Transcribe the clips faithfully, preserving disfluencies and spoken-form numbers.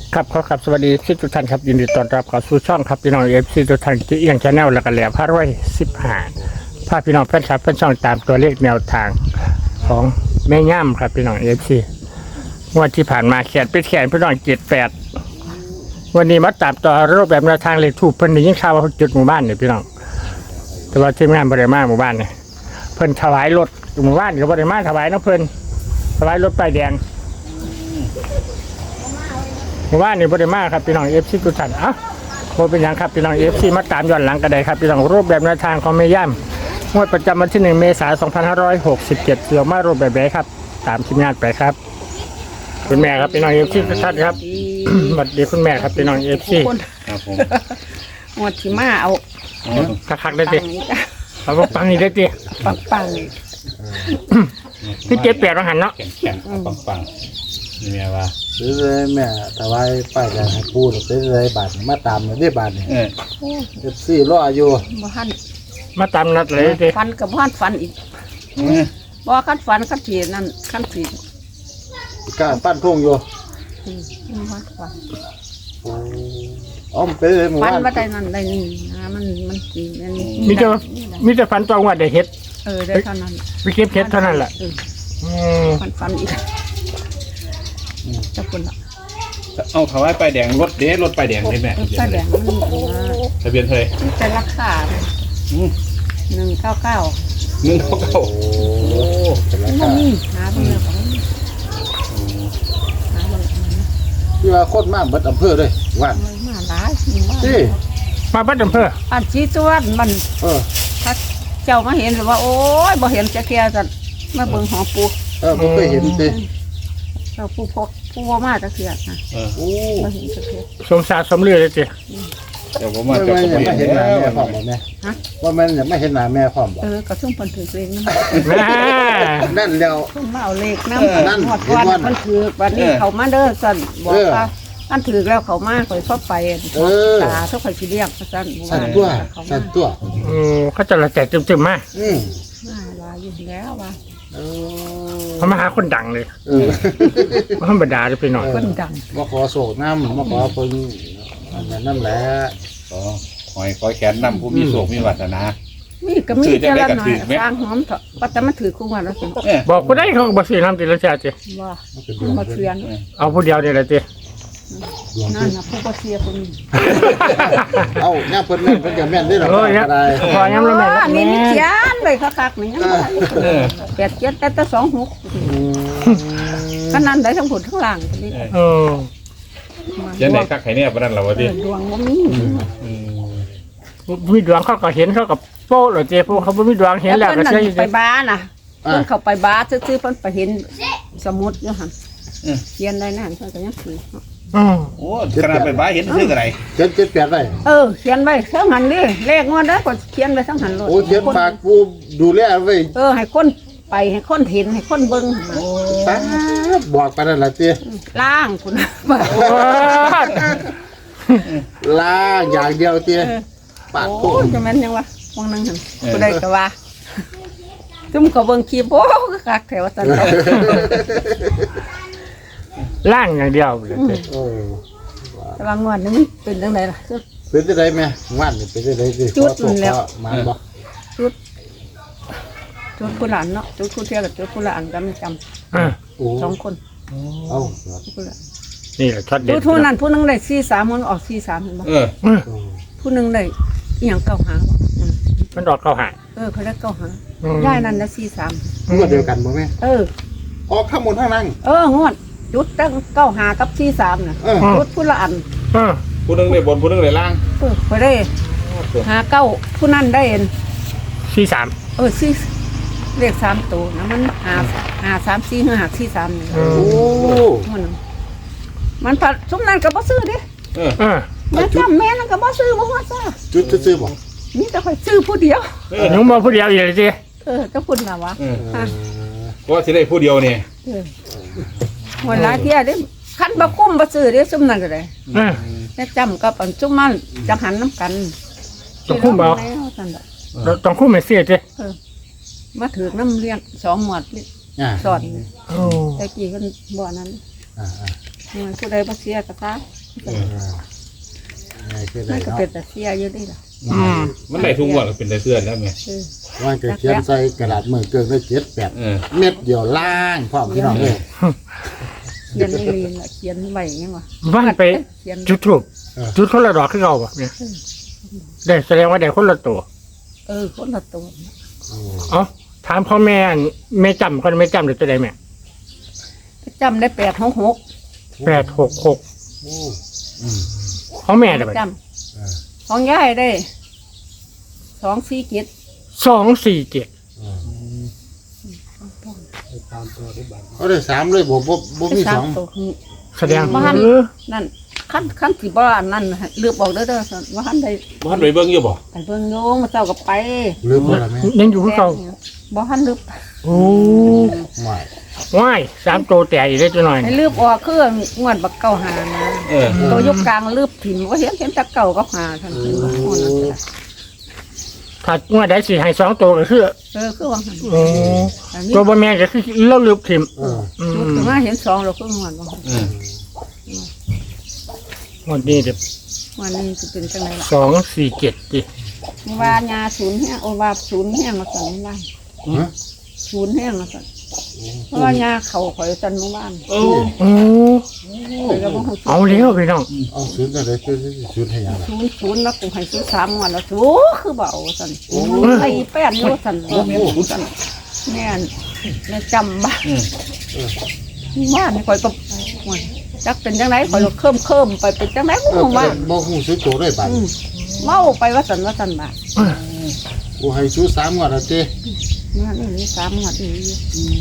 ครับขอครับสวัสดีทุกท่านครับยินดีต้อนรับเข้าสู่ช่องครับพี่น้องเอฟซีทุกท่านที่เอียงชาแนลและกันแหล่พาร้อยสิบห้าพาพี่น้องแฟนคลับแฟนช่องตามตัวเลขแนวทางของแม่ย่ำครับพี่น้องเอฟซีงวดที่ผ่านมาแขนเป็นแขนพี่น้องเจ็ดแปดวันนี้มาตามต่อรูปแบบแนวทางเลขถูกเพิ่นได้ยินข่าวว่าจุดหมู่บ้านเนี่ยพี่น้องแต่ว่าทีมงานบริมาหมู่บ้านเนี่ยเพิ่นถวายรถหมู่บ้านกับบริมาถวายน้ำเพิ่นถวายรถป้ายแดงว่านี่บริมาครับพี่น้องเอฟซีทุกท่านอ่ะโมเป็นอย่างครับพี่น้องเอฟซีมาตามย้อนหลังกันได้ครับพี่น้องรูปแบบแนวทางของแม่ย่ำงวดประจำวันที่หนึ่งเมษายนสองพันห้าร้อยหกสิบเจ็ดเสือมารูปแบบไหนครับตามทีมงานไปครับคุณแม่ครับพี่น้องเอฟซีทุกท่านครับสวัสดีคุณแม่ครับพี่น้องเอฟซีครับผมหมดที่มาเอาคักๆได้ดิเอาปังนี่ได้ดิปังปังที่เจ็ดแปดมาหันเนาะแข็งแข็งปังปังๆนี่แม่ว่าซื้อเลยแม่ถวายป้ายแดงให้ปูซื้อเลยบาทมาตามเลยได้บาทนี่เออเอฟซีรออยู่บ่ทันมาตามนัดเลยดิฟันกับบ่ทันฟันอีกเออบ่คันฟันคันทีนั่นคันทีกล้าปั้นทุ่งอยู่อืมบ่ทันฟันอ๋อมนเป็นเลยหมู่ฟันบ้านบ่ได้นั่นได้นี่นะมันมันสิอันนี้มีแต่มีแต่ฝันตองว่าได้เฮ็ดเออได้เท่านั้นไปเก็บเฮ็ดเท่านั้นแหละเอออืมฟันฟันอีกจะคุณละเอาถวายป้ายแดงรถเด้รถป้ายแดงได้แม่เออป้ายแดงมันมีอันว่าทะเบียนเท่าไหร่แต่ราคาอืมหนึ่งเก้าเก้าหนึ่งเก้าเก้าโอ้เป็นรามันคามีหาเบิ่งแล้วก็บ่มีหาเบิ่งแล้วก็บ่มีที่ว่าโคตรมากเบิดอำเภอเลยว่านมันมาหลายมีมาที่มาบัดอำเภออันชี้ตัวมันเออถ้าเจ้ามาเห็นหรือว่า โอ้ยบ่เห็นจะแค่กันมาเบิ่งหอปูเออผมเคยเห็นสิเราปูพกปูว่ามาจะเคียนะเออโอ้บ่เห็นจะเคียสมศาสตร์สมเรือเลยจิเดี๋ยวผมว่ามาแม่เจะยังไม่เห็นหน้าแม่พร้อมบ่บ่แม่ว่าแม่ยังไม่เห็นหน้าแม่พร้อมบ่เออกระซุ่มเพิ่นถือเลขนำแม่นั่นแล้วเพิ่นมาเอาเลขนำนั่นหมดวันเห็นว่าเพิ่นถือวันนี้เขามาเด้อสั่นบอกเออว่าอันถือแล้วเขามาข่อยพอไปเออตาทุกข่อยสิเรียกสั่นสั่นตัวเขาสั่มานตัวอืมเขาจะละแจกจึมๆมาอืมมาว่าอยู่แล้วว่าเอเขามาหาคนดังเลยเออมาธรรมดาเลยไปหน่อยเพิ่นดังมาขอโศกน้ำมาขอเพิ่นอันนั้นนั่นแหละอ๋อหอยคอยแขนนำผู้มีโศกมีวาสนามีก็มีถือจะเจ้าได้ละกระหน่อถืยอไหมสร้างหอมเถอะว่าแต่มันถือคู่กันแล้วสิเออบอกกูได้เขาก็บอกสิน้ำติละแจกจิว่ามันเป็นดผู้วงมาเพิ่เสียนนเอาผู้เดียวเดียวเลยจิดวงนั่เพิ่นนน่ะผู้มาเสียคนนี้เอาย่าเพิ่นแม่นเพิ่นก็แม่นได้หรอกเออเนี่ยอะไรพอย้ำแล้วแม่อันนี้มีเขียนเลยคักๆนี่ยังบ่ทันเออแปดเจ็ดแต่แต่สองหกอืมขนาดได้ทั้งผลทั้งหลังนี่เออยันไหนคักไข่เนี่ยปะนั่นเหรอวะเอดิอดวงว่ามีอืมมีดวงเขาก็เห็นเขากับโป้เลยจิพวกเขาไม่มีดวงเห็นแล้วก็เพิ่นใช่นั่นไปบ้านน่ะเพิ่นเข้าไปบ้านซื้อๆเพิ่นไปเห็นสมุดอยู่หั่นเขียนได้นั่นเพิ่นก็ยังถืออืมโอ้ขนาดไปบ้านเห็นซื้ออะไรเจ็ดเจ็ดแปดได้เออเขียนไว้ทั้งหันนี่เลขงวดเด้อก็เขียนไว้ทั้งหันโลดโอ้เขียนฝากกูดูแลไว้เออให้คนไปให้คนเห็นให้คนเบิ่งตาบอกไปนั่นล่ะติล่างคุณว่าโอ้ยลาอย่างเดียวติปากโอ้โตยจะแม่นยังวะวงนึงหั่นผู้ใดก็ว่าซุ่มก็เบิ่งคลิปโอ้คักแถวซั่นล่างอย่างเดียวเลยจิโอ้แต่ว่างวดนี้มันเป็นจังไดล่ะเป็นจังไดแม่ว่านนี่เป็นจังไดสิจุดขอโทษแล้วขอมาบ่จุดผู้หลานเนาะจุดผู้เที่ยวกับจุดผู้หลานก็ไม่จำอ่ะโอ้สองคนเอาจุดผู้หลานนี่แหละช็อตเด็จุดดผู้นั้นผู้หนึงได้สี่สามมันออกสี่สามเห็นบ่เอออืมผู้หนึงได้อีหยังเก้าหาบ่อืมมันดอกเข้าหาเออเขาได้เก้าหาอืมย่ายนั่นได้สี่สามงวดเดียวกันบ่แม่เออออกข้างบนข้างล่างเอองวดจุดตั้งเก้าหากับสี่สามน่ะเออจุดผู้ละอันเออผู้นึงได้บนผู้นึงได้ล่างเออไปได้หาเก้าผู้นั้นได้เอ็นสี่สามเออสี่เลขสามตัวนะมันหาหาสามสี่หรือหาสี่สามนี่อืโอ้มมันมันผัดซุ้มนั้นก็บ่ซื้อเด้เออเออแม่จำแม่นั่นก็บ่ซื้อบ่ฮอดซ่าจุดซื่อๆบ่มีแต่ข่อยซื้อผู้เดียวเออหนุ่มมาผู้เดียวอยู่เลยจิเออจะพูดน่ะวะเออฮะเพราะว่าสิได้ผู้เดียวเนี่ยเออวันหลายเที่ยเด้คันบ่คุ้มบ่ซื้อเด้ซุ่มนั่นก็ได้เออแม่จำกับอันซุ่มมันจังหันน้ำกันต้องคุ้มบ่แล้วซั่นดอกต้องคู่ไม่เสียจิมาถือน้ำเลี้ยงสองหมวดนี่อ่าสอนโอ้แต่กี้เพิ่นบ่นั้นอ่ามันผู้ใดบ่เสียก็ตามเออไงคือมัได้นก็เนาะเป็นแต่เสียอยู่ดีล่ะอืมมันได้ทุกงวดก็เป็นได้เสื้อแล้วแม่เออว่าจะเขียนใส่กระดาษมือเกินได้เจ็ดแปดเออเม็ดเดียวล่างพร้อมพี่น้องเลยเขียนนี่ลีนล่ะเขียนไว้ยังวะว่านไปเขียนจุดทูบจุดคนละดอกขึ้นเอาแบบเนี่ยได้แสดงว่าได้คนละตัวเออคนละตัวโอ้เอ้าถามพ่อแม่อันแม่จำคนไม่จำหรือจะได้แม่จำได้แปดหกหกแปดหกหกโอ้อืมของแม่ได้ไหมจเออำของยายได้สองสี่เจ็ดสองสี่เจ็ดเออเอาได้สามเลยบ่บ่บ่มีสาสมองตัวคือแสดงบ้านเออนั่นขั้นขั้นที่บ้านนั่นเลือกบอกเด้อเด้อว่าขั้นใดบ้านไปเบิ่งอยู่บ่ไปเบิ่งโยงมาเจ้ากับไปลืมบ่ล่ะแม่ยังอยู่ที่เก่าบ่ขั้นลืบโอ้ไม่ว้ายสามตัวแต่อีกได้จะหน่อยให้ลืบออกคืองวดบักเก่าหานะเออตัวยกกลางลืบถิ่นว่าเห็นเห็นแต่เก่าก็หาทันทีว่าโอ้นั่นแหละถ้างวดได้สี่ให้สองตัวก็คือเออคือว่าหันโอ้อันนี้ตัวบะแม่ก็คือเล่าลืบทิมเอออืจุดมถึงมาเห็นสองเราคืองวดว่าหั่นเออวันนี้เดี๋ยววันนี้จะเป็นจังไรล่ะสองสี่เจ็ดดิมีว่ายาศูนย์แห้งโอว่าศูนย์แห้งมาสั่นบ้านฮะศูนย์แห้งมาสั่นเพราะว่ายาเขาข่อยจันเมื่อวานโอ้โอ้ข่อยก็บ่ฮู้เอาเลี้ยวพี่น้องเอาศูนย์จังได๋คือศูนย์ให้หยังล่ะศูนย์ศูนย์แล้วกูให้ซื้อสามงวันแล้วโอ้คือเบเอาสั่นไอ้แป้นอยู่สั่นสั่นแม่นแม่จำบ้านอืมบ้านนี่ข่อยก็โอ้ยจักเป็นจังไรข่อยก็เคิ่มเคิ่มไปเป็นจังไรเอกูอว่าบ่ฮู้ซื้อโตได้บาดอืมเมาไปว่าสั่นว่าสั่นบ้ากูให้ซื้อสามงวดแล้วเจ้เมื่อนี่สามงวดนี่อยู่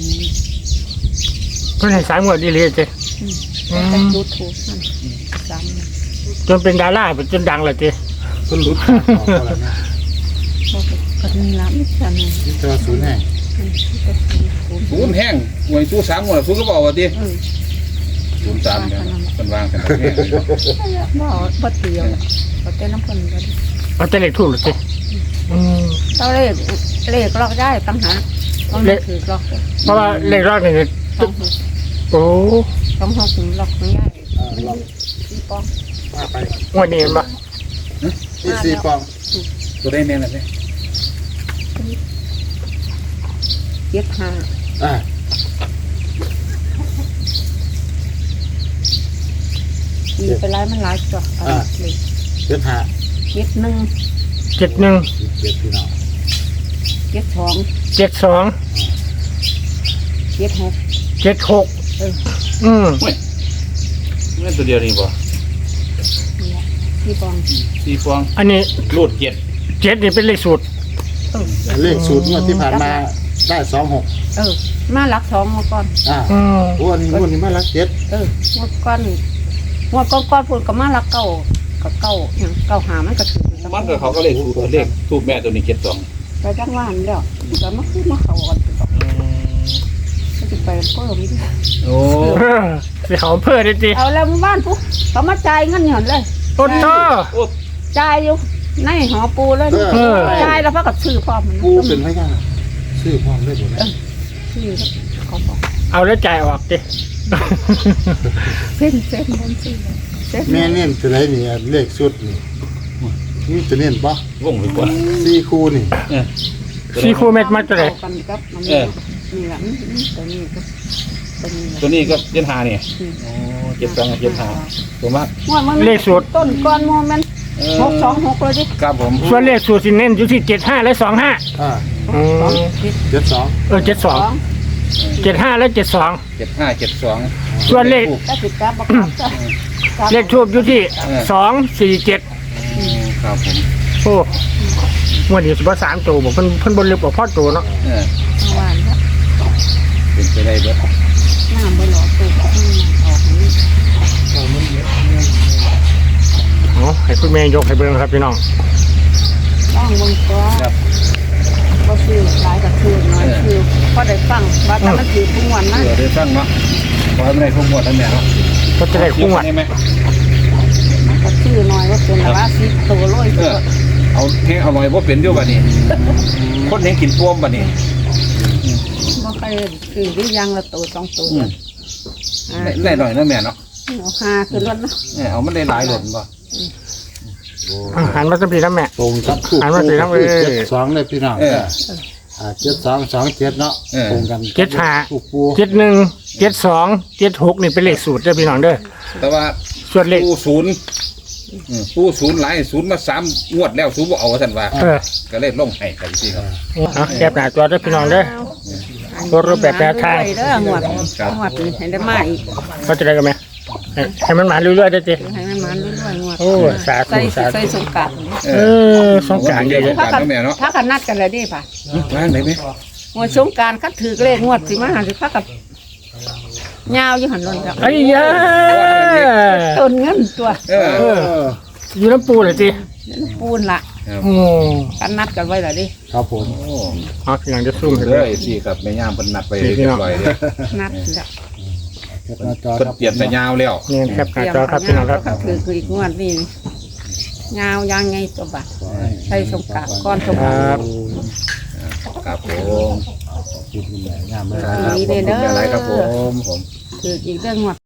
เพื่อนให้สายหมวดดีเลยเจ้แต่ดูถูกนั่นสามงวดจนเป็นดาราเป็นจนดังเลยเจ้เพิ่นหลุดปากออกแล้วนะบอกก็มีละมิจฉานี่นี่เจอศูนย์ให้ศูนย์แห้งหวยสู้สามงวดสู้ก็บอกว่าดิเออศูนย์สามเนี่ยมันวางกันแห้งบ่บ่เตียวบ่เต้นน้ำเพิ่นก็เอาแต่เล็กถูกเลยเจ้อืมเจ้าเลขเลขลอกได้ตั้งหาต้องถือลอกเพราะว่าเล็กรอดเนี่ยต้องหกโอ้ต้องหกลอกไม่ง่ายอ่าลองสี่ปองมาไปงวดนี้เห็นปะที่สี่ปองตัวได้แน่นอนเลยเจ็ดห้าอ่ามีไปไล่มันหลายจ้ะเลยเจ็ดห้าเจ็ดหนึ่งเจ็ดหนึ่งเจ็ดพี่น้องเจ็ดสองเจ็ดสองเจ็ดหกเจ็ดหกเอออืมเฮ้ยนี่ตัวเดียวนี่บ่นี่แหละสี่ปองสี่ฟองอันนี้รูดเจ็ดเจ็ดนี่เป็นเลขสูตรเออเลขสูตรงวดที่ผ่านมาได้สองหกเออมาหลักสองมาก่อนอ่าอืมโอ้อันนี้งวดนี้มาลักเจ็ดเออเมื่อก่อนเมื่อก่อนก่อนพูดกับมาหลักเก้ากับเก้าอย่างเก้าหามันก็ถือมันก็เขาก็เลขถูกเลขถูกแม่ตัวนี้เจ็ดสองไปจังหวานแล้วแต่มาคือมาเขากันก็จะไปเพิ่มอีกโอ้เออสิเขาเพิ่มได้จีเอาแล้วบ้านปุ๊บเขามาจ่ายเงินหย่อนเลยโอ้โตโอ้จ่ายอยู่ในหอปูเลยเออจ่ายแล้วพักกับซื้อพร้อมมันปูเป็นพยานซื้อพร้อมได้หมดเลยซื้อเขาบอกเอาแล้วจ่ายออกจีเส้นเส้นมันซื้อเส้นแม่เน้นตัวไหนนี่เลขสุดนี่นี่จะเน้นปะวงหรือเปล่าสี่คู่นี่เออสี่คู่เม็ดมาตัวไหนกันกับมันเออนี่แหละตัวนี้ก็ตัวนี้ตัวนี้ก็เจ็ดหาเนี่ยโอ้เจ็ดสองกับเจ็ดหาตัวมากเลขสูตรต้นก้อนโมเมนต์เอหกสองหกเลยดิครับผมส่วนเลขสูตรสิเน้นอยู่ที่เจ็ดห้าและสองห้าอ่าอืสองมเจ็ดสองเออเจ็ดสสออง งเจ็ดห้าและเจ็ดสองเจ็ดห้าเจ็ดสองส่วนเลขก็ติดกับบักครับจ้ะเลขทูบอยู่ที่สองสี่เจ็ดครับผมโอ้วันนี้สิบสามตัวบอกเพิ่นเพิ่นบนลึกกว่าพ่อตัวเนาะเออเมื่อวานครับเป็นไปได้เบิดน้ำบนหลอดตัวที่ออกนี้เนาะให้คุณแม่ยกให้เบิ่งครับพี่น้องร่องบนตัวครับก็คือหลายกับคือน้อยคือพอได้ฟังว่าแต่มันถือทุกวันนะเผื่อได้ฟังเนาะขอให้ไม่ได้ทุกงวดทั้งแม่เนาะก็จะได้คุ้งวัดได้ไหมมันก็ชื่อน้อยว่าเป็นว่าสิบตัวร้อยเอตัวอเอาแห้งอร่อยบ่เป็นอยู่บัดนี้คนแห้งกินป้วมบัดนี้บ่เคยคือหรือยังละตัวสองตัวอืมอ่าได้ได้หน่อยนะแม่เนาะเอาหาขึ้นรถเนาะเออเอามันได้หลายหล่นบ่อาหารมาสัมผีน้ำแม่ตรงกับคู่หันมาสิครับเอ้ยเจ็ดสองเลยพี่น้องเอออ่าเจ็ดสองสองเจ็ดเนาะเออตรงกันเจ็ดห้าคู่ปูเจ็ดหนึ่งเจ็ดสองเจ็ดหกนี่เป็นเลขสูตรเด้อพี่น้องเด้อแต่ว่าส่วนเลขปูศูนย์อืมปูศูนย์หลายศูนย์มาสามงวดแล้วศูนย์บ่เอาท่านว่าเออก็เลยลงให้ครับพี่ครับเอาแคบหน้าตัวเด้อพี่น้องเด้อ ตัวรูปแบบแนวทางเด้องวดงวดนี้ให้ได้มาอีกเขาจะได้กันไหมให้ให้มันมาเรื่อยๆได้อจีให้มันมาเรื่อยๆงวดโอ้สาธุใส่สาธุใส่สงกรานต์เอเอออสงกรารเยอะสงกรานต์เนาะแม่เนาะถ้ากันนัดกันเลยดิป่ะว่างได้ไหมงวดสงกรารคัดถือเลขงวดสิมาหาสิพักกับยาวอยู่หันลนครับๆไอ้ยาต้นเงินตัวเออเอออยู่น้ำปูเลยจีนั่นปูนละครับโอ้กันนัดกันไว้และดิครับผมโอ้เอาพี่น้องจะซุ่มให้เด้เลอย สิครับแม่ย่ามเพิ่นนัดไปเรียบร้อยเด้อนัดละแคปหน้าจอเพิ่นครับเปลี่ยนแต่ยาวแล้วนี่แคบหน้าจอครับพี่น้องครับคัดถือคืออีกงวดนี่ยาวยังไงตัวบัตรใส่สงกรารก้อนสงกครารรับครับผมขอบคุณคุณแม่งามเลยครับขอบคุณหลายๆครับผมผมถืออีกเรื่องงวด